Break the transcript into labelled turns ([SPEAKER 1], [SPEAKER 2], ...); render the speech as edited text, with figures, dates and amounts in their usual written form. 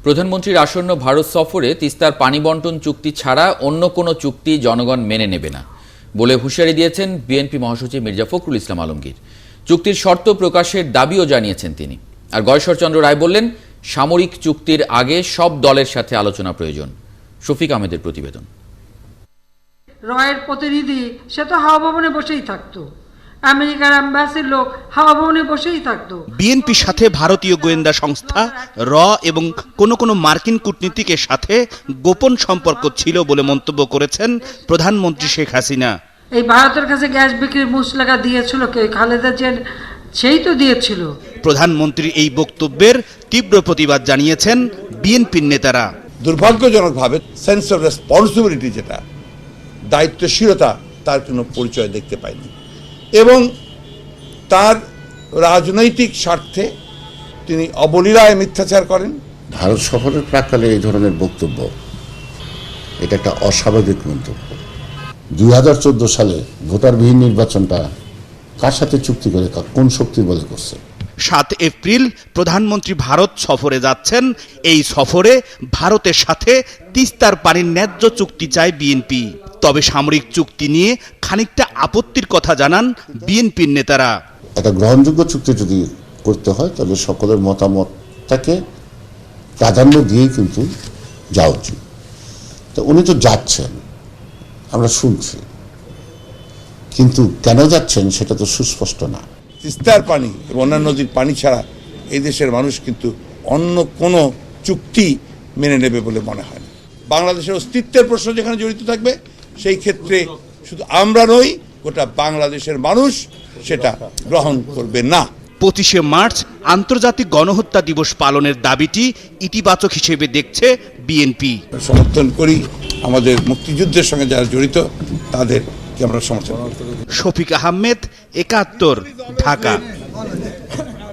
[SPEAKER 1] প্রধানমন্ত্রীর আসন্ন ভারত সফরে তিস্তার পানি বন্টন চুক্তি ছাড়া অন্য কোনো চুক্তি জনগণ মেনে নেবে না বলে হুঁশিয়ারি দিয়েছেন বিএনপি মহাসচিব মির্জা ফখরুল ইসলাম আলমগীর। চুক্তির শর্ত প্রকাশের দাবিও জানিয়েছেন তিনি। আর গয়েশ্বরচন্দ্র রায় বললেন, সামরিক চুক্তির আগে সব দলের সাথে আলোচনা প্রয়োজন। শফিক আহমেদের প্রতিবেদন।
[SPEAKER 2] রয়ের প্রতিনিধি সে তো হাওয়া ভবনে বসেই থাকতো, আমেরিকার অ্যাম্বাসির লোক হাওয়া ভবনে বসেই থাকতো।
[SPEAKER 3] বিএনপির সাথে ভারতীয় গোয়েন্দা সংস্থা র এবং কোনো মার্কিন কূটনীতিকের সাথে গোপন সম্পর্ক ছিল বলে মন্তব্য করেছেন প্রধানমন্ত্রী শেখ হাসিনা।
[SPEAKER 2] এই ভারতের কাছে গ্যাস বিক্রির মুচলেখা দিয়েছিল কে? খালেদা জিয়া সেই তো দিয়েছিল।
[SPEAKER 3] প্রধানমন্ত্রীর এই বক্তব্যের তীব্র প্রতিবাদ জানিয়েছেন বিএনপির নেতারা।
[SPEAKER 4] দুর্ভাগ্যজনকভাবে সেন্স অফ রেসপন্সিবিলিটি, যেটা দায়িত্বশীলতা, তার কোনো পরিচয় দেখতে পাইনি এবং তার রাজনৈতিক স্বার্থে তিনি অবলীলায় মিথ্যাচার করেন।
[SPEAKER 5] ভারত সফরের প্রাক্কালে এই ধরনের বক্তব্য, এটা একটা অস্বাভাবিক মন্তব্য। 2014 সালে ভোটারবিহীন নির্বাচনটা কার সাথে চুক্তি করে, কোন শক্তির বলে করছে?
[SPEAKER 3] 7 এপ্রিল প্রধানমন্ত্রী ভারত সফরে যাচ্ছেন। এই সফরে ভারতের সাথে তিস্তার পানির ন্যায্য চুক্তি চায় বিএনপি। তবে সামরিক চুক্তি নিয়ে খানিকটা আপত্তির কথা জানান বিএনপির নেতারা।
[SPEAKER 5] একটা গ্রহণযোগ্য চুক্তি যদি করতে হয় তাহলে সকলের মতামতটাকে প্রাধান্য দিয়েই কিন্তু যাওয়া উচিত। তো উনি তো যাচ্ছেন, আমরা শুনছি, কিন্তু কেন যাচ্ছেন সেটা তো সুস্পষ্ট না।
[SPEAKER 4] তিস্তার পানি এবং অন্যান্য নদীর পানি ছাড়া এই দেশের মানুষ কিন্তু অন্য কোনো চুক্তি মেনে নেবে বলে মনে হয় না। বাংলাদেশের অস্তিত্বের প্রশ্ন যেখানে জড়িত থাকবে, সেই ক্ষেত্রে শুধু আমরা নই, গোটা বাংলাদেশের মানুষ সেটা গ্রহণ করবে না।
[SPEAKER 3] 25শে মার্চ আন্তর্জাতিক গণহত্যা দিবস পালনের দাবিটি ইতিবাচক হিসেবে দেখছে বিএনপি।
[SPEAKER 4] সমর্থন করি, আমাদের মুক্তিযুদ্ধের সঙ্গে যারা জড়িত তাদেরকে আমরা সমর্থন করি।
[SPEAKER 3] শফিক আহমেদ, 71, ঢাকা।